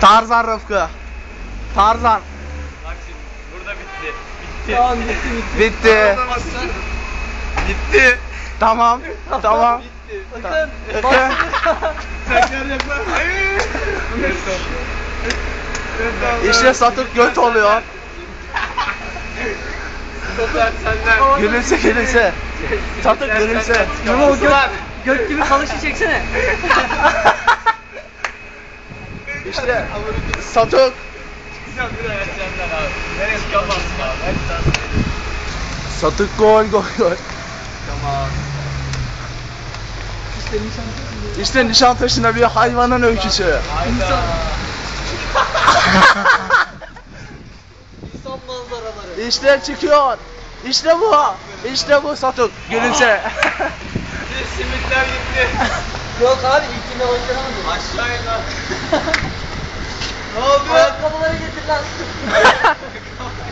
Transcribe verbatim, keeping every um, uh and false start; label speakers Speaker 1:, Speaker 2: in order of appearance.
Speaker 1: Tarzan Rıfkı. Tarzan.
Speaker 2: Bak şimdi burada bitti. Bitti.
Speaker 3: Tamam bitti bitti.
Speaker 1: Bitti.
Speaker 2: Bitti.
Speaker 1: Tamam. Tamam.
Speaker 2: Bitti.
Speaker 3: Bakın.
Speaker 1: Bakın.
Speaker 2: Tekrar yapar. Hayır.
Speaker 1: İşte Satuk göt oluyor.
Speaker 2: Sotar senden.
Speaker 1: Gülümse gülümse. Satuk gülümse.
Speaker 3: Ama o göt, göt gibi kalışı çeksene.
Speaker 1: İşte Satuk.
Speaker 2: Sen bir daha senden abi. Nereye çıkamazsın abi. Hadi sen.
Speaker 1: Satuk gol gol gol.
Speaker 2: Tamam.
Speaker 3: İşte nişan.
Speaker 1: İşte Nişantaşı'nda bir hayvanın öyküsü.
Speaker 2: Hayda.
Speaker 3: İnsan manzaraları.
Speaker 1: İşte çıkıyor. İşte bu. İşte bu Satuk. Gülümse.
Speaker 2: Bir simitler gitti.
Speaker 3: Yok abi ilkinde başaramadım.
Speaker 2: Aşağı in lan. Ne oldu?
Speaker 3: Ayakkabıları getir lan.